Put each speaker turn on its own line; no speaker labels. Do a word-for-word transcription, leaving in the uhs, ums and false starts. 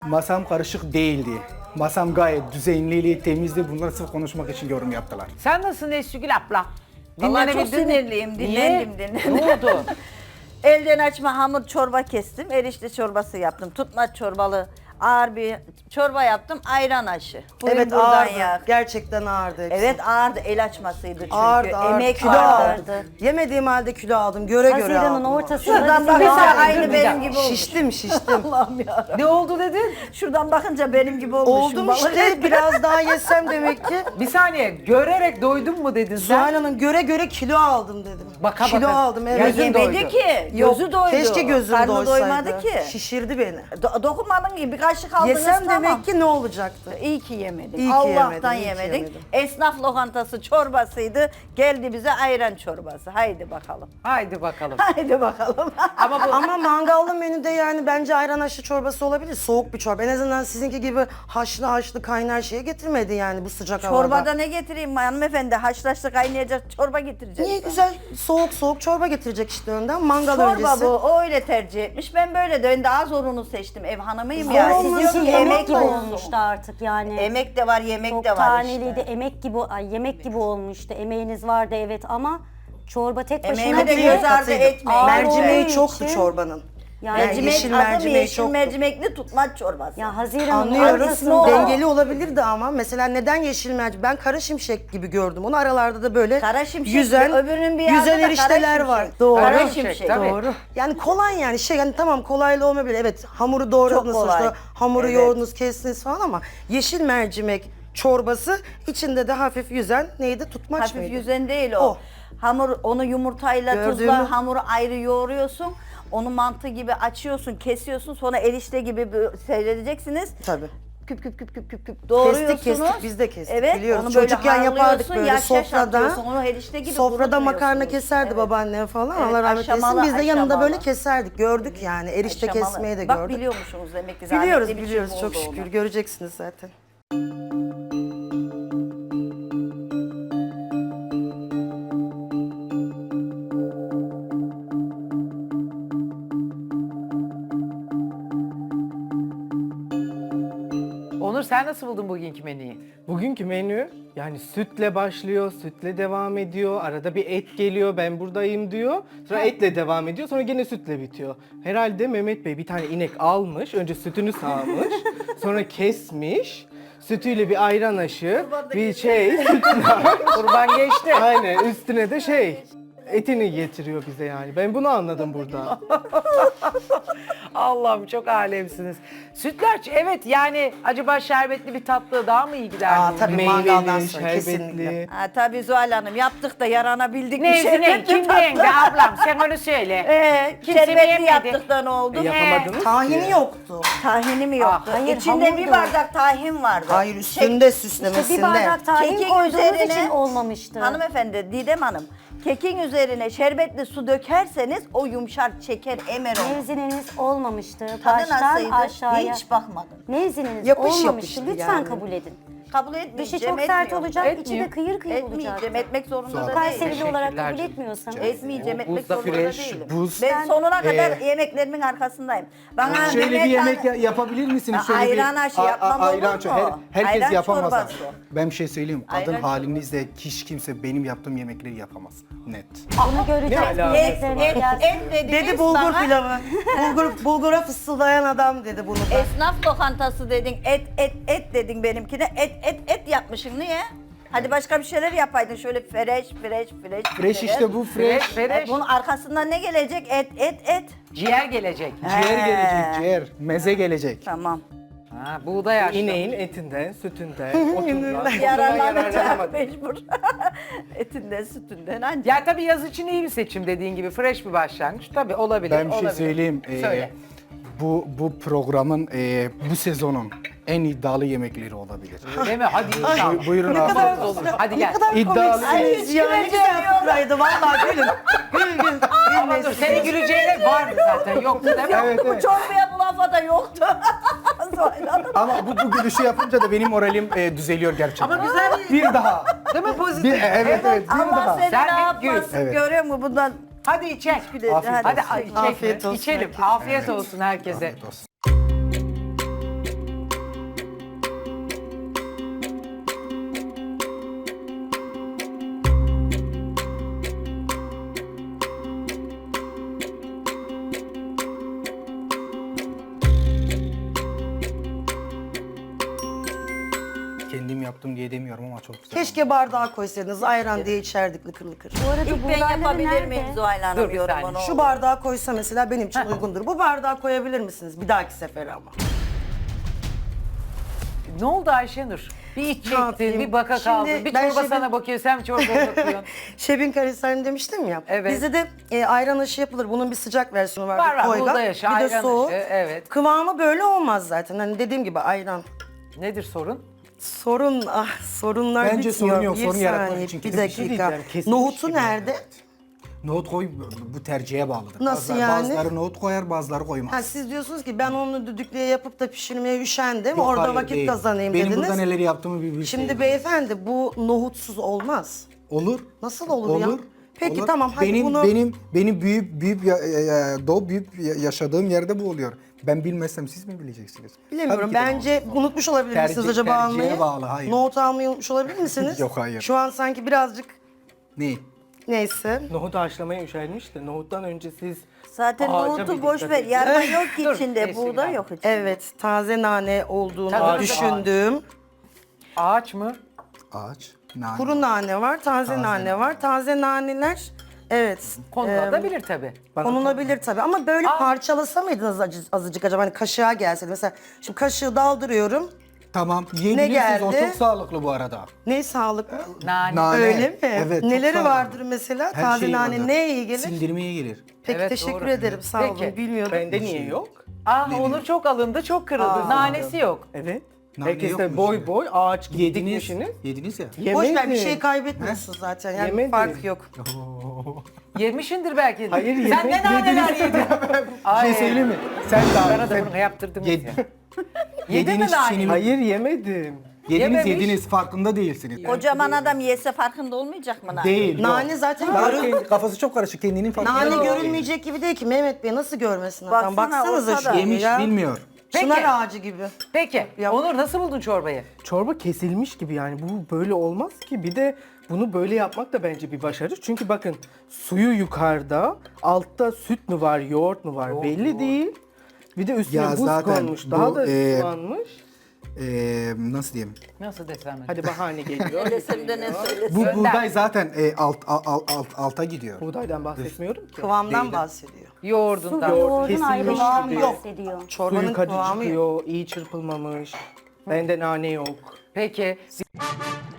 Masam karışık değildi. Masam gayet düzenliydi, temizdi. Bunları sırf konuşmak için yorum yaptılar.
Sen nasılsın Esgül abla?
Vallahi çok
Dinlenebildin mi?
sinirliyim,
Niye?
dinlendim dinlendim.
Ne oldu?
Elden açma hamur çorba kestim, erişte çorbası yaptım. Tutmaç çorbalı ağır bir çorba yaptım, ayran aşı. Buyurun
Evet
buradan
ağırdı.
yak.
Gerçekten ağırdı hepsi.
Evet ağırdı, el açmasıydı çünkü.
Ağırdı, ağırdı.
Emek
Kilo
vardı.
aldım. Yemediğim halde kilo aldım. Göre göre
Haziran'ın
aldım.
ortasında
Şuradan
bizim
bakınca
bir-
aynı
bir
benim
dakika.
gibi olmuş.
Şiştim şiştim.
Allah'ım ya.
Ne oldu dedin?
Şuradan bakınca benim gibi olmuşum.
Oldum
vallahi.
işte biraz daha yesem demek ki.
Bir saniye, görerek doydun mu dedin sen?
Zuhal Hanım göre göre kilo aldım dedim.
Baka
kilo
baka.
aldım evet.
Gözün
Yemedi
doydu.
ki,
Yok,
gözü doydu.
Keşke gözüm
Karnı
doysaydı.
doymadı ki.
Şişirdi beni.
Do- dokunmadın ki bir kaşık aldınız
Yesem
tamam.
demek ki ne olacaktı?
İyi ki yemedik.
İyi ki
Allah'tan
yemedim, iyi ki
yemedik.
yemedim.
Esnaf lokantası çorbasıydı. Geldi bize ayran çorbası. Haydi bakalım.
Haydi bakalım.
Haydi bakalım.
Ama bu
Ama mangallı menüde yani bence ayran haşlı çorbası olabilir. Soğuk bir çorba. En azından sizinki gibi haşlı haşlı kaynar şeye getirmedi yani bu sıcak havada.
Çorbada ne getireyim hanımefendi? Haşlaşlı kaynayacak çorba getireceğiz.
Niye güzel soğuk soğuk çorba getirecek işte önden mangal
Çorba
öncesi.
bu. O öyle tercih etmiş. Ben böyle de ben daha zorunu seçtim. Ev hanımıyım
Zor
ya.
olmasın,
Siz diyor ki
yemek
emek
gibi
olsun.
olmuştu artık yani.
Emek de var, yemek
Çok
de var
taneliydi,
işte.
emek gibi, ay, yemek gibi olmuştu. Emeğiniz vardı evet ama çorba tek başına
Emeğimi de
bile
göz ardı
Katıydı.
etmeyin.
Mercimeği
olduğu
çoktu
için-
çorbanın.
Yani
Mercimek-
Mercimek,
yeşil
adı
mercimeği
yeşil
çoktu.
mercimekli tutmaç çorbası.
ya Haziran'ın
Anlıyorum.
ortasında
Dengeli olabilirdi ama mesela neden yeşil mercimek? Ben kara şimşek gibi gördüm. Onu aralarda da böyle
Kara şimşek,
yüzen,
öbürünün bir yanında
yüzen
da kara
erişteler
şimşek.
var. Doğru.
Kara
Kara
şimşek,
şimşek, tabii.
Doğru. Yani kolay yani şey yani tamam kolaylı olmayabilir. Evet hamuru doğradınız
Çok kolay.
sonuçta. Hamuru
Evet.
yoğurdunuz, kestiniz falan ama yeşil mercimek çorbası içinde de hafif yüzen neydi? Tutmaç
Hafif
mıydı?
yüzen değil o.
O.
Hamur onu yumurtayla
Gördüğümü-
tuzla hamuru ayrı yoğuruyorsun. Onu mantı gibi açıyorsun, kesiyorsun. Sonra erişte gibi böyle seyredeceksiniz.
Tabii.
Küp küp küp küp küp küp doğruyorsunuz.
kestik, biz de kestik,
Evet,
biliyoruz.
onu böyle
Çocukken yapardık
harlıyorsun,
böyle
yaş yaş
sofrada.
atıyorsun, onu erişte gibi
Sofrada makarna
kurutmuyorsunuz.
keserdi
Evet.
babaannem falan.
Evet,
Allah rahmet eylesin.
aşamalı,
Biz de yanında
aşamalı.
böyle keserdik. Gördük yani. Erişte
Aşamalı.
kesmeyi de
Bak
gördük.
biliyormuşsunuz demek ki.
Biliyoruz
zahmetli bir
biliyoruz
şey
çok
olduğunu.
şükür. Göreceksiniz zaten.
Onur sen nasıl buldun bugünkü menüyü?
Bugünkü menü yani sütle başlıyor, sütle devam ediyor. Arada bir et geliyor, ben buradayım diyor. Sonra etle devam ediyor, sonra gene sütle bitiyor. Herhalde Mehmet Bey bir tane inek almış, önce sütünü sağmış, sonra kesmiş. Sütüyle bir ayran aşı, bir şey,
Kurban geçti.
aynen üstüne de şey, etini getiriyor bize yani. Ben bunu anladım burada.
Allah'ım çok alemsiniz. Sütlaç evet yani acaba şerbetli bir tatlı daha mı iyi gider?
Aa, tabii mangaldan
Meyveli,
sonra
şerbetli.
kesinlikle.
Ha, tabii Zuhal Hanım yaptık da yaranabildik.
Ne
bir şey.
ne kim yenge ablam sen onu söyle.
Ee,
Kimse
şerbetli
yemedi.
yaptık da ne oldu?
E, yapamadınız
Tahini
ki.
yoktu.
Tahini mi yoktu?
Ah,
hayır,
İçinde
hamur
bir
da-
bardak tahin vardı.
Hayır üstünde süslemesinde.
İşte bir bardak tahin
Kekin
koyduğunuz
üzerine-
için olmamıştı.
Hanımefendi Didem Hanım, kekin üzerine şerbetli su dökerseniz o yumuşar, çeker, emer olur.
Mevzininiz olmamıştı.
Tadı
Baştan
nasıldı?
aşağıya.
Hiç bakmadım.
Mevzininiz
Yapış
olmamıştı.
yapıştı
Lütfen
yani.
kabul edin.
Kabul etmeyeceğim.
Dışı çok sert
etmiyorum.
olacak, içi
Etmeyeyim.
de kıyır kıyır olacak.
Etmeyeceğim, etmek zorunda da değilim.
Kayserili olarak
Teşekkürler
kabul
canım.
etmiyorsanız.
Etmeyeceğim,
O
etmek
buzda
zorunda
fresh,
değilim.
buz.
Ben sonuna kadar
Ee,
yemeklerimin arkasındayım. Bana
Şöyle bir
Mehmet
yemek
Han-
ya- yapabilir misiniz?
Ha,
Şöyle
ayran
bir,
aşı
A- a-
yapmam olur
ayran
mu?
ço- her- herkes
Ayran
yapamaz.
çorbası.
Ben bir şey söyleyeyim. Kadın
Ayran
halinizde hiç kimse benim yaptığım yemekleri yapamaz. Net.
Bunu göreceğiz.
alaka?
Et,
Yemeklerine
et,
gelsin.
et dediniz
Dedi bulgur
bana.
pilavı. Bulgur, bulgura fısıldayan adam dedi bunu da.
Esnaf lokantası dedin, et et et dedin benimkine. Et et et yapmışım niye? Hadi başka bir şeyler yapaydın şöyle fresh fresh fresh.
Fresh işte bu fresh.
Fresh fresh.
E, bunun arkasından ne gelecek? Et et et.
Ciğer gelecek.
Ciğer
He.
gelecek, ciğer. Meze gelecek.
Tamam.
Ha, buğday aşı.
İneğin etinden, sütünden, otundan.
Yararlanacak
yararlanamadım.
mecbur. Etinden sütünden ancak.
Ya tabii yaz için iyi bir seçim dediğin gibi fresh bir başlangıç. Tabii olabilir.
Ben bir şey
olabilir.
söyleyeyim. Ee,
Söyle.
bu bu programın, e, bu sezonun en iddialı yemekleri olabilir.
Değil mi? Hadi inşallah.
Bu- buyurun
Ne
afiyet
kadar
olsun.
Olur. Hadi gel.
İddialı.
Komiksiniz ya ne güzel fıkraydı vallahi gülün. Gül gül.
Ama dur, senin güleceğine vardı zaten. Yoktu değil mi?
Evet,
Bu
evet.
çorbaya bu lafa da yoktu. Zuhal Hanım.
Ama bu, bu gülüşü yapınca da benim moralim e, düzeliyor gerçekten.
Ama güzel bir...
Bir daha.
Değil mi pozitif?
Bir, evet evet bir
Allah
daha.
seni
Sen
ne
hep gül.
yapmasın
Evet.
görüyor musun bundan?
Hadi içek.
Güle-
Afiyet
hadi.
Hadi ay,
olsun.
içek
Afiyet
mi?
olsun
İçelim.
herkese.
Afiyet olsun herkese.
Afiyet olsun.
kendim yaptım diye demiyorum ama çok güzel.
Keşke bardağa koysaydınız ayran diye içerdik lıkır lıkır.
Bu arada
İlk ben
buğdayları
yapabilir miyim
nerede?
Zuhal
Dur
Hanım
bir
yorumunu?
saniye.
Şu bardağa koysa mesela benim için uygundur. Bu bardağa koyabilir misiniz bir dahaki sefere ama?
Ne oldu Ayşenur? Bir iç çektin,
yapayım?
bir baka
Şimdi
kaldın. Bir
ben
çorba
şefin-
sana bakıyor, sen bir çorbaya bakıyorsun.
Şebin karabiberini demiştim ya.
Evet.
Bizde de e, ayran aşı yapılır. Bunun bir sıcak versiyonu var.
Var, var.
koygan,
Buğday aşı,
bir de
ayran
soğuk.
aşı, evet.
Kıvamı böyle olmaz zaten. Hani dediğim gibi ayran.
Nedir sorun?
Sorun, ah sorunlar
Bence
bitmiyor.
sorun yok,
Bir
sorun yaratmak
saniye,
için
bir
kötü bir şey
dakika.
diyeceğim, kesilmiş
Nohutu
gibi.
nerede?
Nohut koy, bu tercihe bağlıdır.
Nasıl
Bazıları-
yani?
Bazıları nohut koyar, bazıları koymaz.
Ha, siz diyorsunuz ki ben onu düdüklüye yapıp da pişirmeye üşendim.
Yok,
Orada
hayır,
vakit
değil.
kazanayım
Benim
dediniz.
burada neler yaptığımı bir bilseydin.
Şimdi beyefendi bu nohutsuz olmaz.
Olur.
Nasıl olur ya?
Olur.
Peki
olur.
tamam, hadi
benim,
bunu-
Benim benim büyük büyük ya, ya, ya- doğup büyük ya- yaşadığım yerde bu oluyor. Ben bilmezsem siz mi bileceksiniz?
Bilemiyorum.
Tabii ki de
Bence unutmuş olabilir
Tercih-
misiniz acaba
tercihe
almayı?
bağlı, hayır.
Nohut almayı unutmuş olabilir misiniz?
Yok, hayır.
Şu an sanki birazcık
Ne?
neyse.
Nohut haşlamaya üşenmiş de nohuttan önce siz
Zaten
ağaca
nohutu
bir
boş
dikkat
ver.
edin.
Yarma yok ki
Dur,
içinde,
neyse,
buğday
gidelim.
yok içinde.
Evet, taze nane olduğunu
Tabii,
düşündüğüm.
Ağaç mı?
Ağaç, nane.
Kuru nane var, taze,
Taze
nane
nane.
var. Taze naneler, evet.
Konulabilir tabii.
Konulabilir tabii ama böyle parçalasa mıydınız acı- azıcık acaba? Hani kaşığa gelseydi. Mesela şimdi kaşığı daldırıyorum.
Tamam, yiyebilirsiniz. O
geldi?
çok sağlıklı bu arada.
Ne sağlıklı?
Nane.
Nane.
Öyle mi?
Evet, çok
Neleri
sağlıklı.
vardır mesela?
Her
Taze
şey
nane
vardır.
neye iyi gelir?
Sindirmeye gelir.
Peki
Evet,
teşekkür
doğru.
ederim. Sağ olun.
Peki.
Bilmiyordum.
bende niye yok?
Ah Onur çok alındı, çok kırıldı. Nanesi yok.
Evet.
Nane
Herkes de
yokmuş
boy
ya.
boy ağaç gibi
Yediniz.
dikmişsiniz.
Yediniz ya.
Boş ver, bir
Yemedim.
şey kaybetmiyorsun zaten. Yani
Yemedim.
fark yok.
Yemişindir belki.
Hayır,
Sen ne
yemek
naneler yedin?
Bir şey söyleyeyim mi? Sen daha
Bana da bunu yaptırdınız
Yed-
ya. Yedin mi
Yediğiniz
naneyi?
çiğnemi-
Hayır yemedim.
Yediniz
Yememiş.
yediniz farkında değilsiniz.
Kocaman adam yese farkında olmayacak mı? lan?
Değil. yok.
Nane zaten
Daha
görün-
kendi- kafası çok karışık, kendinin farkında
Nane
değil.
görünmeyecek gibi değil ki Mehmet Bey, nasıl görmesin adam?
Baksana,
Baksanıza
ortada.
şu
Yemiş
ya.
bilmiyor.
Peki.
Çınar ağacı gibi.
Peki.
Ya-
Onur nasıl buldun çorbayı?
Çorba kesilmiş gibi yani bu böyle olmaz ki. Bir de bunu böyle yapmak da bence bir başarı. Çünkü bakın suyu yukarıda, altta süt mü var, yoğurt mu var belli değil. Bir de üstüne
Ya
buz
zaten
konmuş, daha
bu,
da
e,
sulanmış.
Ee, nasıl diyeyim?
Nasıl desem?
Hadi bahane geliyor.
Ne desem de ne söylesem.
Bu
Önden.
buğday zaten e, alt, alt, alt, alt- alta gidiyor.
Buğdaydan bahsetmiyorum ki.
Kıvamdan
Değil.
bahsediyor.
Su
Yoğurdundan.
ve yoğurdun
kesilmiş
ayrılığından
gibi.
bahsediyor.
Çorbanın
Suyu kaçı
kıvamı yok.
çıkıyor, iyi çırpılmamış. Bende nane yok.
Peki.